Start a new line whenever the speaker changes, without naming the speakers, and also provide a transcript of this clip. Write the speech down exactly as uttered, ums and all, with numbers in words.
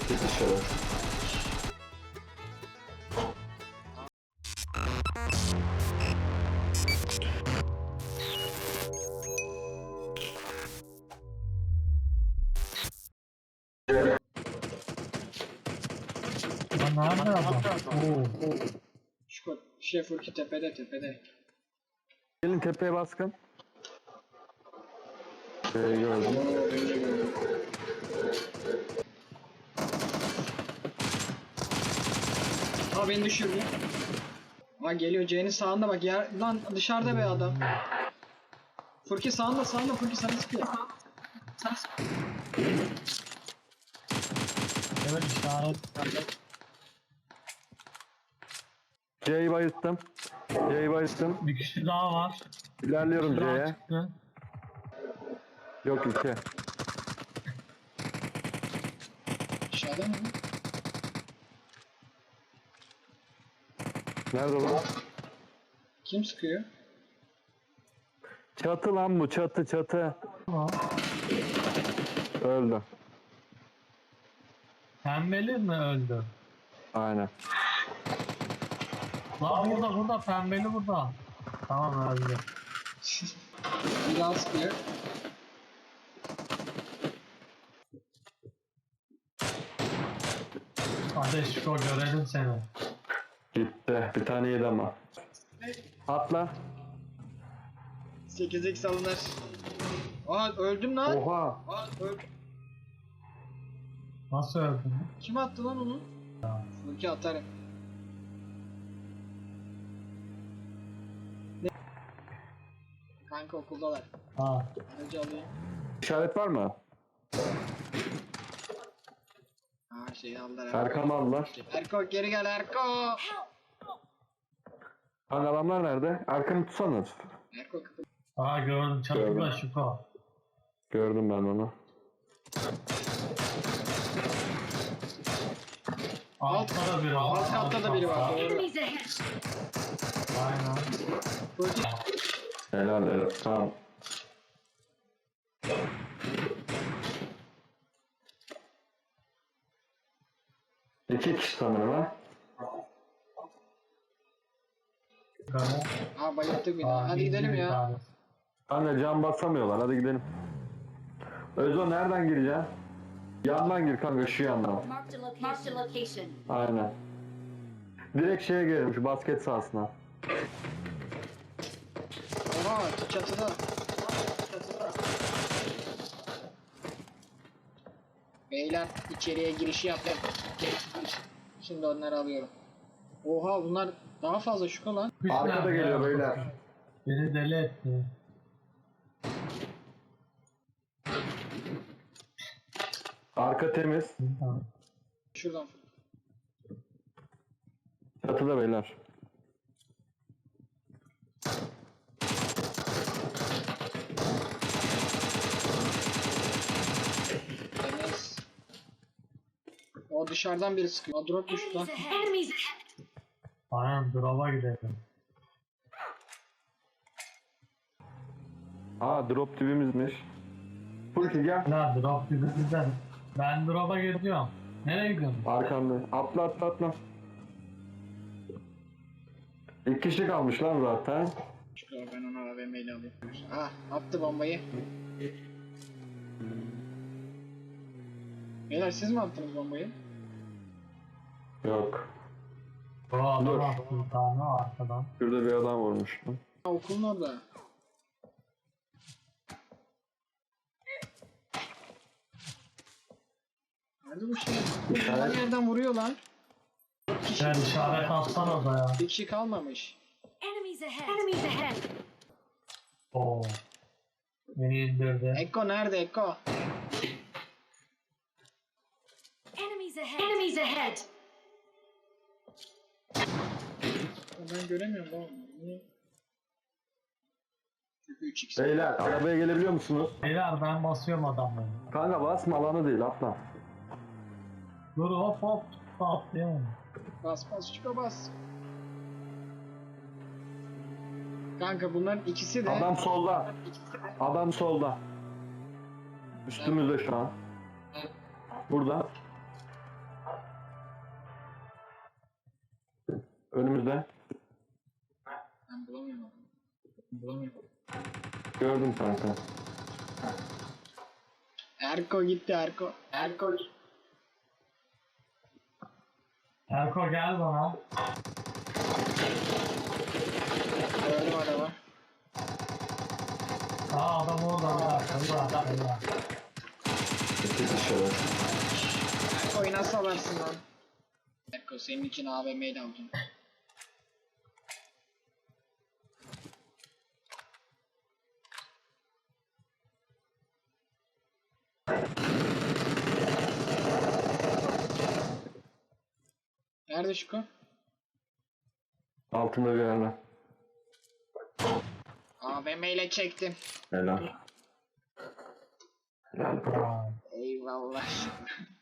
Git dışarı.
Lan nerede adam? Oo.
Şu şey Furki tepede tepede.
Gelin tepeye baskın. Ee, gördüm.
Oo, beni de gördüm. Aa beni düşürdü. Aa geliyor C'nin sağında bak ya. Lan dışarıda be adam. Furki sağında sağında Furki sana sıkıyor. Sana sıkıyor.
Evet işaret.
C'yi bayılttım. C'yi bayılttım.
Bir kişi daha var.
İlerliyorum
Bir daha
C'ye.
çıktı.
Yok iki.
Aşağıda mı?
Nerede o?
Kim sıkıyor?
Çatı lan bu, çatı çatı.
Tamam.
Öldü.
Pembeli mi öldü?
Aynen.
Lan burada burada pembeli burada. Tamam öldü.
Bir daha sıkıyor.
Ateş o görelim seni.
Gitti. Bir tane yedi ama. Atla.
sekiz x alınır. Aa öldüm lan.
Oha.
Aa öldüm.
Nasıl öldün?
Kim attı lan onu? Furki atarım. Ne? Kanka okuldalar.
Ha.
Aracı alayım.
İşaret var mı?
Aa şeyi aldılar.
Erkam'ı aldılar.
Erko geri gel Erko.
Hani adamlar nerede? Erkam'ı tutsanız.
Erko kapı.
Aa gördüm çatıda
Gördüm.
Şuko.
Gördüm ben onu.
Altta da biri var.
Alt katta da biri var. Doğru.
Enemies ahead!
Aynen.
Furki.
Helal helal. Tamam. İki kişi sanırım ha.
Böyle.
Aa bayılttık bir daha.
Aa,
Hadi
bir-
gidelim
bir
ya.
tanesi.
Anne can basamıyorlar. Hadi gidelim. Özo nereden gireceksin? Yandan gir kanka, şu yandan.
Marked a location. Marked a location.
Aynen. Direkt şeye girelim, şu basket sahasına.
Oha çatıda. Çatıda. Beyler içeriye girişi yaptım. Şimdi onları alıyorum. Oha bunlar daha fazla şuka lan.
Kuş
Arkada
nerede
geliyor
ya?
beyler.
Beni deli etti.
Arka temiz.
Tamam.
Şuradan.
Çatıda beyler.
Temiz. O dışarıdan biri sıkıyor. O drop düştü lan.
Enemies ahead! Enemies ahead!
Aynen drop'a gidelim.
Aa drop dibimizmiş. Furki gel.
Ne drop gibi bizden. Ben drop'a gidiyorum. Nereye gidiyorsun?
Arkanda. Atla atla atla. İki kişi kalmış lan zaten.
Şurada ben onu A V M ile alayım. Ah attı bombayı. Beyler siz mi attınız bombayı?
Yok.
O adam
Dur.
attı bir tane arkadan.
Şurada bir adam vurmuştu.
Ha, okulun orada. Nerede bu şey? Her yerden vuruyor lan.
Sen işaret atsana da ya.
Bir kişi kalmamış.
Enemies ahead! Enemies ahead!
Oo. Beni indirdi.
Ekko nerede Ekko?
Enemies ahead! Enemies ahead!
Ben göremiyorum lan. Niye? Çünkü üç x.
Beyler arabaya gelebiliyor musunuz?
Beyler ben basıyorum adamları.
Kanka basma, alanı değil, atla.
Dur hop hop. Atlayamam.
Bas bas şuka bas. Kanka bunların ikisi de
Adam solda. Adam solda. Üstümüzde şu an. Burada. Önümüzde.
Ben bulamıyorum adamı. Bulamıyorum.
Gördüm kanka.
Erko gitti Erko. Erko gitti.
Erko gel bana.
Gördüm adamı.
Aa adam orada. Burada. Burada. Burada.
İki dışarı.
Erko'yu nasıl alarsın lan? Erko senin için A V M'yi de alacağım. Nerede Şuko?
Altında bir yerde.
A V M ile çektim.
Helal. Helal.
Aa.
Eyvallah.